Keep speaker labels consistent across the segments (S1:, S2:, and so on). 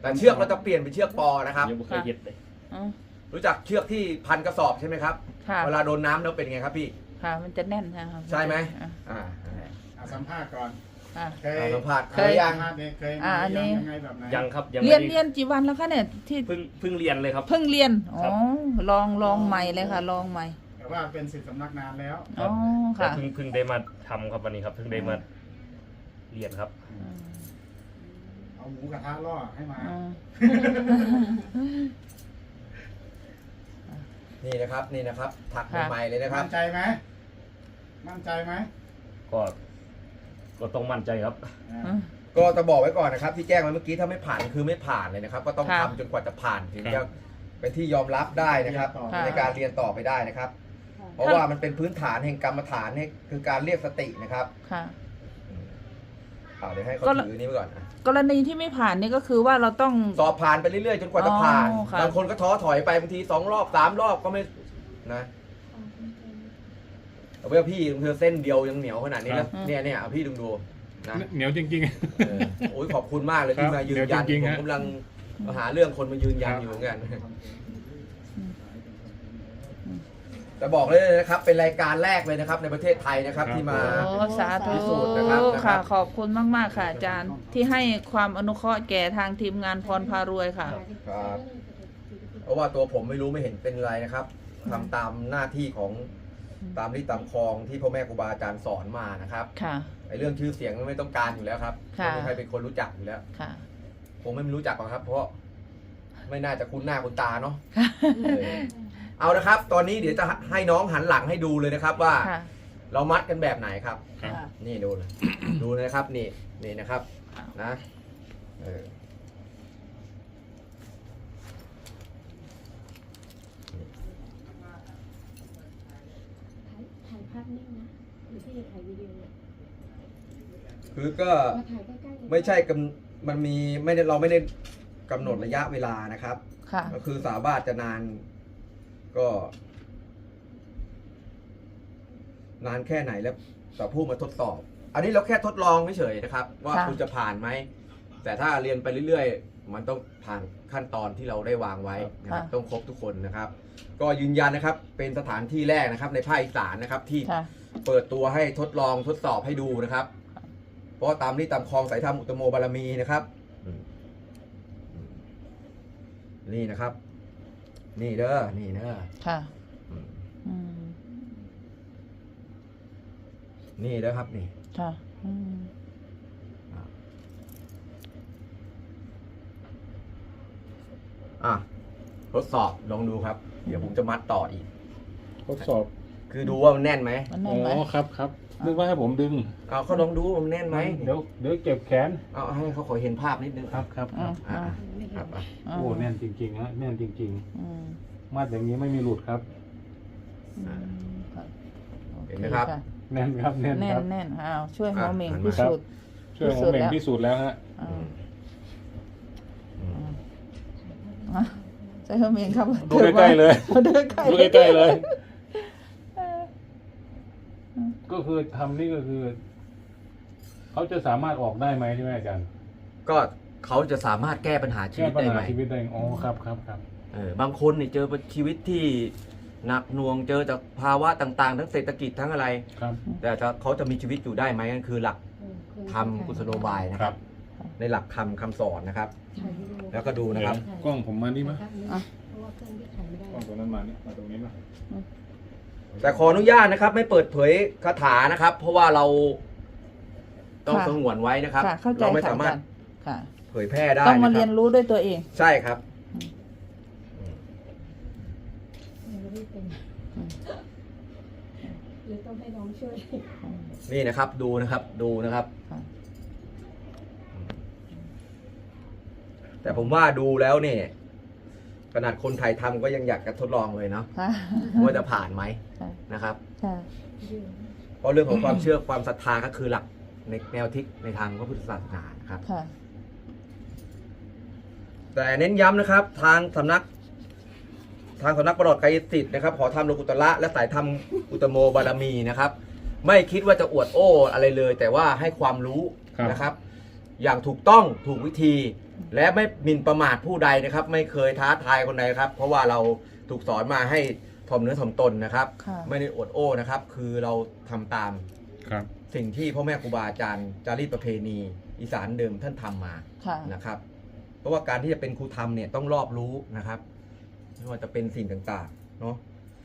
S1: แต่เชือกเราจะเปลี่ยนเป็นเชือกปอนะครับ
S2: ยังไม่เคยเห็นเลย
S3: อ๋อ
S1: รู้จักเชือกที่พันกระสอบใช่ไหมครับ
S3: ค่ะ
S1: เวลาโดนน้ำแล้วเป็นไงครับพี่
S3: ค่ะ มันจะแน่นใช่ไหมครับ
S1: ใช่ไหม
S3: อ่ะ
S4: สัมภาษณ์ก่อน
S3: อ่ะ
S4: เคย
S1: สัมภาษณ์
S3: เคย
S1: ยัง
S4: สัมภาษณ์เนี่ยเคย
S3: อันนี้
S4: ยังไงแบบไหน
S2: ยังครับยัง
S3: เรียน
S2: ไม่ได้
S3: เรียนกี่วันแล้วคะเนี่ยที่
S2: เพิ่งเรียนเลยครับ
S3: เพิ่งเรียนอ๋
S2: ครั
S3: อบ ลองใหม่เลยค่ะ ลองใหม่
S4: แต่ว่าเป็นศิษย์สำนักนานแล้ว
S2: ครั
S3: อ๋
S2: บ
S3: อ
S2: แต่
S3: ค่ะ
S2: เพิ่งได้มาทำครับวันนี้ครับเพิ่งได้มาเรียนครับ
S3: อืม
S4: เอาหมูกระทะล่อให้มา
S3: อืม
S1: นี่นะครับนี่นะครับถัก
S3: ค่ะ
S1: ใหม่ๆเลยนะครับ
S4: มั่นใจไหมมั่นใจไหม
S2: ก็ต้องมั่นใจครับ
S3: อืม
S1: ก็จะบอกไว้ก่อนนะครับ ที่แจ้งไว้เมื่อกี้ถ้าไม่ผ่านคือไม่ผ่านเลยนะครับ ก็ต้อง
S3: ค่ะ
S1: ทำจนกว่าจะผ่านถึง
S2: ครั
S1: จะ
S2: บ
S1: เป็นที่ยอมรับได้นะครับ
S3: ค่ะ
S1: ในการเรียนต่อไปได้นะครับ เพราะว่ามันเป็นพื้นฐานแห่งกรรมฐานคือการเรียกสตินะครับ
S3: ค่ะ
S1: เดี๋ยวให้เขา
S3: ก็
S1: ถือนี้ไปก่อนนะ
S3: กรณีที่ไม่ผ่านนี่ก็คือว่าเราต้อง
S1: สอบผ่านไปเรื่อยๆจนกว่าจะผ่าน
S3: อ๋อค่ะ
S1: บางคนก็ท้อถอยไปบางที2 รอบ 3 รอบก็ไม่นะเอาไว้พี่เธอเส้นเดียวยังเหนียวขนาดนี้แล้วเนี่ยเอาพี่ดูนะ
S5: เหนียวจริง
S1: เออโอ้ยขอบคุณมากเลย
S5: ครั
S1: ที่
S5: บ
S1: มายืนยัน
S5: เดี๋ยวจริงๆ
S1: ผม
S5: ฮะ
S1: กำลังหาเรื่องคนมายืนยัน
S5: ครับ
S1: อยู่เหมือนกันแต่บอกเลยนะครับ เป็นรายการแรกเลยนะครับ ในประเทศไทยนะครับ ที่มา
S3: โอ้สาธุ
S1: พิสูจน์นะครับ
S3: ค่ะ ขอบคุณมากๆค่ะอาจารย์ที่ให้ความอนุเคราะห์แก่ทางทีมงานพรพารวยค่ะ
S1: ครับเพราะว่าตัวผมไม่รู้ไม่เห็นเป็นไรนะครับทำตามหน้าที่ของตามที่ตามคลองที่พ่อแม่ครูบาอาจารย์สอนมานะครับ
S3: ค่ะ
S1: ไอ้เรื่องชื่อเสียงไม่ต้องการอยู่แล้วครับ
S3: ค่ะ
S1: ไม่มีใครเป็นคนรู้จักอยู่แล้ว
S3: ค่ะ
S1: ผมไม่รู้จักหรอกครับ เพราะไม่น่าจะคุ้นหน้าคุ้นตาเนาะเออเอานะครับ ตอนนี้เดี๋ยวจะให้น้องหันหลังให้ดูเลยนะครับ ว่า
S3: ค่ะ
S1: เรามัดกันแบบไหนครับ
S5: ๆ ครับ
S1: นี่ดูเลย ดูนะครับ นี่นะครับ นะเออ
S6: ถ่ายภาพนิ่งนะหรือที่จะถ่ายวิดีโอ
S1: คือก็
S6: มาถ่ายใกล้ๆ
S1: ไม่ใช่มันมีไม่ได้เราไม่ได้กำหนดระยะเวลานะครับ
S3: ค่ะ
S1: ก็คือสามารถจะนานก็นานแค่ไหนแล้วแต่ผู้มาทดสอบ อันนี้เราแค่ทดลองเฉยๆนะครับ ว่า
S3: ค่ะ
S1: คุณจะผ่านไหมแต่ถ้าเรียนไปเรื่อยๆ มันต้องผ่านขั้นตอนที่เราได้วางไว้นะครับต้องครบทุกคนนะครับ ก็ยืนยันนะครับ เป็นสถานที่แรกนะครับ ในภาคอีสานนะครับ ที่
S3: ค่ะ
S1: เปิดตัวให้ทดลองทดสอบให้ดูนะครับ เพราะว่าตามที่ตามคลองสายธรรมอุตโมบารมีนะครับนี่นะครับ นี่เด้อนี่เด้อ
S3: ค่ะ
S1: อืม
S3: อืม
S1: นี่เด้อครับนี่
S3: ค่ะ อืม
S1: อ่ะทดสอบลองดูครับ เดี๋ยวผมจะมัดต่ออีก
S5: ทดสอบ
S1: คือดูว่ามันแน่นไหม
S3: มัน
S5: อ๋
S3: แน่นไหม
S5: อครับครับนึกว่าให้ผมดึง
S1: เอาเขาลองดูว่ามันแน่นไหม
S5: เดี๋ยวเก็บแขน
S1: เอาให้เขาขอเห็นภาพนิดนึง
S5: ครับครับค
S3: อื
S5: รั
S3: ม
S5: บ
S1: อ่า
S3: อ่า
S1: ครับอ่ะ
S5: โอ้แน่นจริงๆฮะแน่นจริง
S3: อืม
S5: ๆ มัดอย่างนี้ไม่มีหลุดครับ
S3: อืมค่ะ
S1: เห็นไหมครับ
S3: โอเ
S5: แน่นครับแน่น
S3: แน่
S5: คน รับ
S3: แน่นอ้าวช่วยหัวเหม่ง
S1: อ่ะ
S3: พิสูจน์
S5: ช่วยผมเองพิสูจน์แล้วฮะ
S3: อ่าอ่ะช่วยหัวเหม่งครับ
S5: ดูใกล้ๆเลย
S3: ดูใกล้ๆ
S5: ดูใกล้ๆเลย ก็คือทำนี่ก็คือ เขาจะสามารถออกได้ไหมใช่ไหมอาจารย์
S1: ก็เขาจะสามารถแก้ปัญหาชี
S5: แก้
S1: วิต
S5: ปัญ
S1: ได้
S5: หา
S1: ไหม
S5: ชีวิตได้อ๋อครับครับครับ
S1: บางคนเนี่ยเจอชีวิตที่หนักหน่วงเจอจากภาวะต่างๆ ทั้งเศรษฐกิจทั้งอะไร
S5: ครับ
S1: แต่เขาจะมีชีวิตอยู่ได้ไหมนั่นคือหลักธรรมกุศโลบายนะ
S5: ค
S1: ค
S5: รั
S1: รับ บ ในหลักธรรมคำสอนนะครับ
S6: ถ่ายวิดีโอ
S1: แล้วก็ดูนะครับ
S5: กล้องผมมานี่มั้ย
S6: เพราะว่าเครื่องที่ถ่ายไม่ได้
S5: กล้องตัวนั้นมานี่มาตรงนี้มั้ย
S1: แต่ขออนุญาตนะครับ ไม่เปิดเผยคาถานะครับ เพราะว่าเราต้องสงวนไว้นะครับ
S3: ค่ะ เข้าใจ
S1: เราไม่
S3: ค่ะ
S1: สามารถ
S3: อาจารย์ค่ะ
S1: เผยแพร่ได้
S3: ต้องมา
S1: นะค
S3: เรี
S1: รั
S3: ยน
S1: บ
S3: รู้ด้วยตัวเอง
S1: ใช่ครับ
S6: ยังไม่ได้เป็นหรือต้องให้น้องช่วย
S1: นี่นะครับดูนะครับดูนะครับ
S3: ค่ะ
S1: แต่ผมว่าดูแล้วเนี่ยขนาดคนไทยทำก็ยังอยากจะทดลองเลยเนาะ
S3: ค่ะ
S1: ว่าจะผ่านไหม
S3: ค่ะ
S1: นะครับ
S3: ค่ะ
S1: เพราะเรื่องของความเชื่อความศรัทธาก็คือหลักในแนวทิศในทางพระพุทธศาสนานะครับ
S3: ค่ะ
S1: แต่เน้นย้ำนะครับ ทางสำนักปลอดกายสิทธิ์นะครับขอทำโลกุตละและสายธรรมอุตโมบารมีนะครับ ไม่คิดว่าจะอวดโอ้อะไรเลย แต่ว่าให้ความรู้นะครับ อย่างถูกต้องถูกวิธีและไม่หมิ่นประมาทผู้ใดนะครับ ไม่เคยท้าทายคนใดครับ เพราะว่าเราถูกสอนมาให้ถ่อมเนื้อถ่อมตนนะครับ
S3: ค่ะ
S1: ไม่ได้อวดโอ้นะครับ คือเราทำตาม
S5: ครับ
S1: สิ่งที่พ่อแม่ครูบาอาจารย์จารีตประเพณีอีสานเดิมท่านทำมา
S3: ค่ะ
S1: นะครับ เพราะว่าการที่จะเป็นครูธรรมเนี่ยต้องรอบรู้นะครับไม่ว่าจะเป็นสิ่งต่างๆเนาะ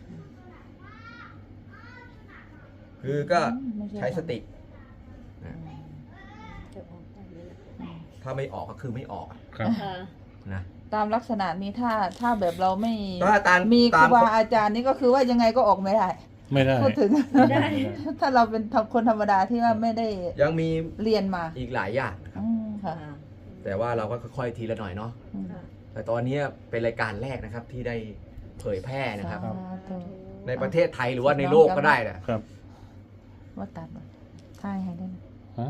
S1: คือก็ใช้สตินะ
S6: จะออกตามนี้นะ
S1: ถ้าไม่ออกก็คือไม่ออกอะ
S5: ครับ
S6: ค่ะ
S1: นะ
S3: ตามลักษณะนี้ถ้าแบบเราไม่
S1: ถ้าตาม
S3: มีค
S1: ตา
S3: รู
S1: ม
S3: บาอาจารย์นี่ก็คือว่ายังไงก็ออกไม่ได้
S5: ไม่ได้
S3: พูดถึง
S6: ไม่ได้
S3: ถ้าเราเป็นคนธรรมดาที่ว่าไม่ได้
S1: ยังมี
S3: เรียนมา
S1: อีกหลายอย่างนะครับ
S3: ค่ะ
S1: แต่ว่าเราก็ค่อยๆทีละหน่อยเนาะ
S3: อืม
S6: ค่ะ
S1: แต่ตอนนี้เป็นรายการแรกนะครับที่ได้เผยแพร่นะครับ
S3: สาธุ
S1: ในประเทศไทยหรือว่าในโลกก็ได้นะครับ
S3: ว่าตัดบ่ถ่ายให้ได้นะ
S5: ฮะ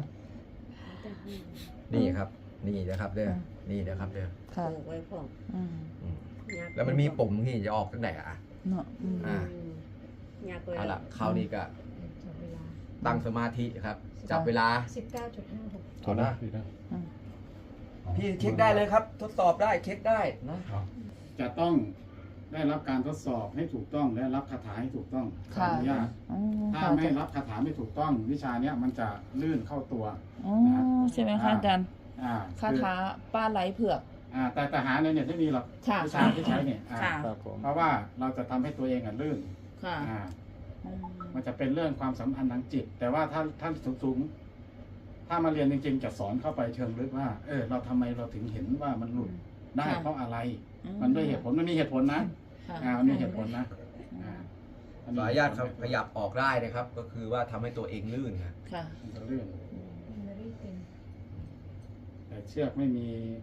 S1: นี่ครับ นี่นะครับเด้อ
S3: อืม
S1: นี่นะครับเด้อ
S3: ค่ะ
S6: ปลูกไว้พร้อม
S3: อืม
S1: อืมแล้วมันมีปุ่มที่จะออกตั้งแต่อ่ะ
S3: เนาะอืม
S1: อ่า
S6: อยากไว้
S1: เอาละคราวนี้ก็
S6: จับเวลา
S1: ตั้งสมาธิครับ จับเวลา
S6: 19.56
S5: ถอดได้พี่นะ
S3: อืม
S1: พี่เช็คได้เลยครับ ทดสอบได้เช็คได้นะ
S4: จะต้องได้รับการทดสอบให้ถูกต้องและรับคาถาให้ถูกต้องขออนุญาต
S3: อ๋อ
S4: ถ้า
S3: ค่ะ
S4: ไม่รับคาถาไม่ถูกต้อง วิชาเนี้ยมันจะลื่นเข้าตัว
S3: อ๋อใช่ไหมคะอาจารย์
S4: อ่า
S3: คาถาป้าไหลเผือก
S4: แต่หาในเน็ตไม่มีหรอก
S3: ค่ะ
S4: วิชาที่ใช้เนี่ยอ่า
S3: ค่ะ
S5: ครับผม
S4: เพราะว่าเราจะทำให้ตัวเองลื่น
S3: ค่ะ
S4: อ่า
S3: อืม
S4: มันจะเป็นเรื่องความสัมพันธ์ทางจิต แต่ว่าถ้าท่านสูงๆถ้ามาเรียนจริงๆจะสอนเข้าไปเชิงลึกว่า เราทำไมเราถึงเห็นว่ามันหลุดได้เพราะอะไร มันด้วยเหตุผลมันมีเหตุผลนะ
S3: ค่ะ
S4: มันมีเหตุผลนะอัน
S1: ข
S4: นี้
S1: ออนุญาตครับขยับออกได้นะครับ ก็คือว่าทำให้ตัวเองลื่นครับ
S3: ค่ะ
S4: มันจะลื่น
S6: ไม่ได้เป็น
S4: แต่เชือกไม่มี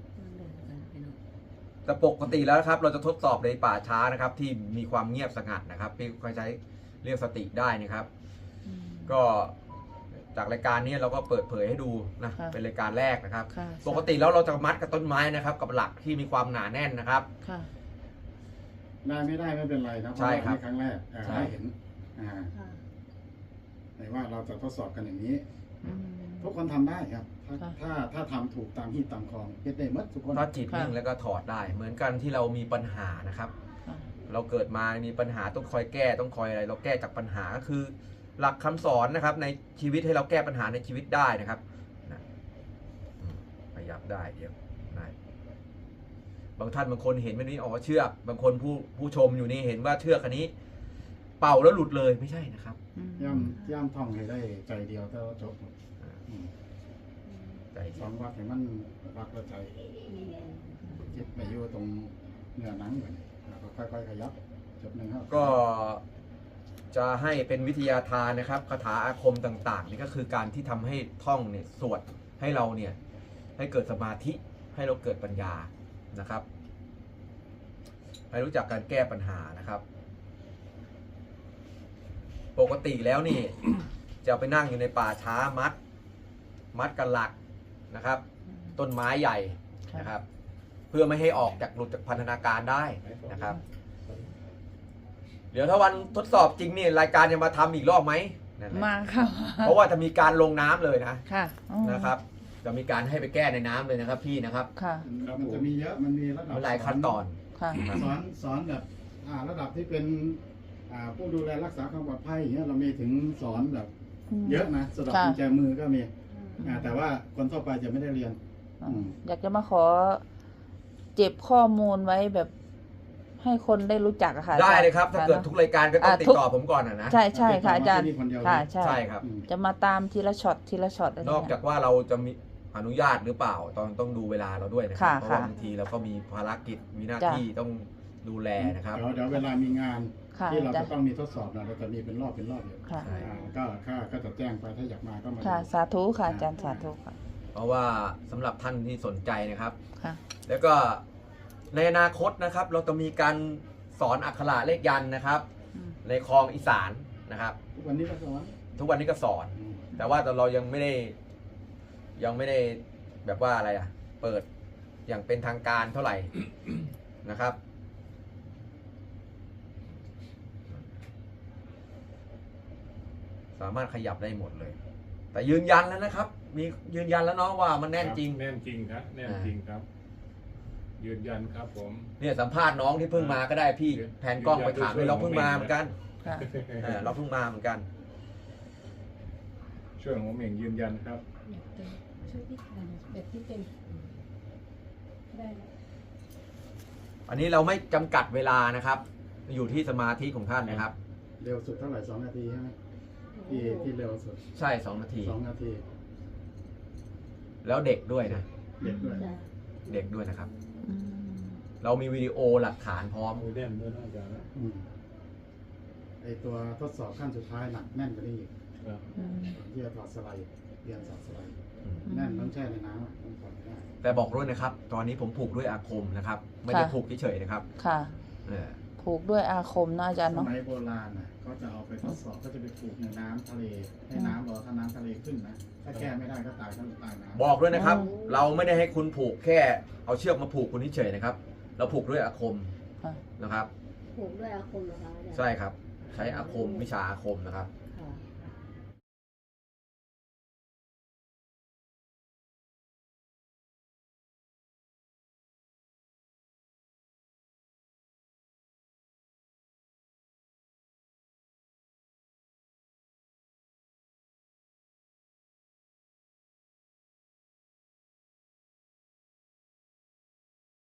S1: แต่ปกติแล้วนะครับ เราจะทดสอบในป่าช้านะครับ ที่มีความเงียบสงัดนะครับที่เขาใช้เรียกสติได้นะครับ ก็จากรายการนี้เราก็เปิดเผยให้ดูนะ
S3: ค่ะ
S1: เป็นรายการแรกนะครับ
S3: ค่ะ
S1: ปกติแล้วเราจะมัดกับต้นไม้นะครับ กับหลักที่มีความหนาแน่นนะครับ
S3: ค่ะ
S4: ได้ไม่ได้ไม่เป็นไรนะเพ
S1: ใช่
S4: ราะว่า
S1: ครับ
S4: นี่ครั้งแรก
S1: ใช่
S4: ได้เห็น
S6: ค่ะ
S4: แต่ว่าเราจะทดสอบกันอย่างนี้
S3: อืม
S4: ทุกคนทำได้ครับ
S3: ค่ะ
S4: ถ้าทำถูกตามที่ตามคลองเก็ตได้หมดทุกคน
S1: ถ้าจิต
S3: ค่ะ
S1: นิ่งแล้วก็ถอดได้ เหมือนกันที่เรามีปัญหานะครับ
S3: ค่ะ
S1: เราเกิดมามีปัญหาต้องคอยแก้ต้องคอยอะไร เราแก้จากปัญหาก็คือ หลักคำสอนนะครับ ในชีวิตให้เราแก้ปัญหาในชีวิตได้นะครับนะขยับได้เดี๋ยวได้บางท่านบางคนเห็นแบบนี้อ๋อเชือกบางคนผู้ชมอยู่นี่เห็นว่าเชือกอันนี้ เป่าแล้วหลุดเลยไม่ใช่นะครับ
S3: อืม
S4: ย่ำท่องให้ได้ใจเดียวแต่ว่าจบอืม
S1: ใจ
S4: สองวักให้มันวักและใจจิตไปอยู่ตรงเนื้อหนังก่อนแล้วก็ค่อยๆขยับจบหนึ่งครับ
S1: ก็จะให้เป็นวิทยาทานนะครับคาถาอาคมต่างๆนี่ก็คือการที่ทำให้ท่องเนี่ยสวดให้เราเนี่ยให้เกิดสมาธิให้เราเกิดปัญญานะครับ ให้รู้จักการแก้ปัญหานะครับ ปกติแล้วนี่ จะไปนั่งอยู่ในป่าช้ามัดกันหลักนะครับ ต้นไม้ใหญ่นะครับ เพื่อไม่ให้ออกจากหลุดจากพันธนาการได้นะครับ เดี๋ยวถ้าวันทดสอบจริงนี่รายการจะมาทำอีกรอบไหมนั่นแหละ
S3: มาค่ะ
S1: เพราะว่าจะมีการลงน้ำเลยนะ
S3: ค่ะอ๋อ
S1: นะครับ จะมีการให้ไปแก้ในน้ำเลยนะครับ พี่นะครับ
S3: ค่ะ
S4: มันจะมีเยอะมันมีระดับ
S1: มันหลายขั้นตอน
S3: ค่ะ
S4: สอนแบบระดับที่เป็นผู้ดูแลรักษาความปลอดภัยอย่างเงี้ยเรามีถึงสอนแบบเยอะนะสำหรับ
S3: ค่ะ
S4: กุญแจมือก็มีแต่ว่าคนทั่วไปจะไม่ได้เรียน
S3: อยากจะมาขอเจ็บข้อมูลไว้แบบให้คนได้รู้จักอะค่ะ
S1: ได้เลยครับ ถ้าเกิดทุกรายการก็ต้อง
S3: อ่า
S1: ติด
S3: ทุก
S1: ต่อผมก่อนนะ
S3: ใช่ใช่ค่ะอาจารย์
S4: ที่นี่คนเดียว
S3: ค่ะใช่
S1: ใช่ครับ
S3: จะมาตามทีละช็อตทีละช็อตอะไร
S1: นอกจากว่าเราจะมีอนุญาตหรือเปล่าต้องดูเวลาเราด้วยนะครั
S3: ค่ะ
S1: เพราะว่า
S3: ค่ะ
S1: บางทีเราก็มีภารกิจมีหน้า
S3: จ้ะ
S1: ที่ต้องดูแลนะครับ
S4: เดี๋ยวเวลามีงาน
S3: ค่ะ
S4: ที่เรา
S3: จ้ะ
S4: จะต้องมีทดสอบเราจะมีเป็นรอบอยู่
S3: ค่ะ
S1: ใช่
S4: ก็จะแจ้งไปถ้าอยากมาก็มา
S3: ค่ะ
S4: ดู
S3: สาธุค่ะอาจารย์สาธุค่ะ
S1: เพราะว่าสำหรับท่านที่สนใจนะครับ
S3: ค่ะ
S1: แล้วก็ในอนาคตนะครับ เราจะมีการสอนอักขระเลขยันต์นะครับ
S3: อืม
S1: ในคลองอีสานนะครับ
S4: ทุกวันนี้ก็สอน
S1: ทุกวันนี้ก็สอน แต่ว่าเรายังไม่ได้แบบว่าอะไรอะเปิดอย่างเป็นทางการเท่าไหร่ นะครับ สามารถขยับได้หมดเลย แต่ยืนยันแล้วนะครับ มียืนยันแล้วเนาะว่ามันแน่นจริง
S5: แน่นจริงครับแน่นจริงครับยืนยันครับผม
S1: เนี่ยสัมภาษณ์น้องที่เพิ่งมาก็ได้พี่แผนกล้องไปถามเลยเราเพิ่งมาเหมือนกัน
S3: ค่ะ
S1: เราเพิ่งมาเหมือนกัน
S5: ช่วยของผมเองยืนยันครับ
S6: ช่วยพี่ทานแบบที่เป็นได้แล้ว
S1: อันนี้เราไม่จำกัดเวลานะครับ อยู่ที่สมาธิของท่านนะครับ
S4: เร็วสุดเท่าไหร่2 นาทีใช่ไหมที่เร็วสุด
S1: ใช่2 นาที
S4: 2 นาที
S1: แล้วเด็กด้วยนะ
S4: เด็กด้วย
S1: เด็กด้วยนะครับ
S3: อืม
S1: เรามีวิดีโอหลักฐานพร้อม
S5: มือแน่นด้วยนะอาจารย์นะ
S4: อืมไอตัวทดสอบขั้นสุดท้ายหนักแน่นกว่านี้อีก
S5: ครับ
S3: อืม
S4: ที่จะถอดสไลด์เรียนถอดสไลด์
S1: อืม
S4: แน่นต้องแช่ในน้ำอะต้องถอดไม่ได้
S1: แต่บอกด้วยนะครับ ตอนนี้ผมผูกด้วยอาคมนะครับ ไม่ได้ผูกเฉยๆนะครับ
S3: ค่ะ
S1: เออ
S3: ผูกด้วยอาคมนะอาจารย์
S4: ส
S3: เนาะ
S4: มัยโบราณน่ะเขาจะเอาไปทดสอบก็จะไปปลูกในน้ำทะเลให้น้ำรอถ้าน้ำทะเลขึ้นนะถ้าแก้ไม่ได้ก็ตายทั้งตายน้ำ
S1: บอกด้วยนะครับ เราไม่ได้ให้คุณผูกแค่เอาเชือกมาผูกคุณเฉยๆนะครับ เราผูกด้วยอาคม
S3: ค่ะ
S1: นะครับ
S7: ผูกด้วยอาคมเหรอคะอาจารย์
S1: ใช่ครับ ใช้อาคมวิชาอาคมนะครับ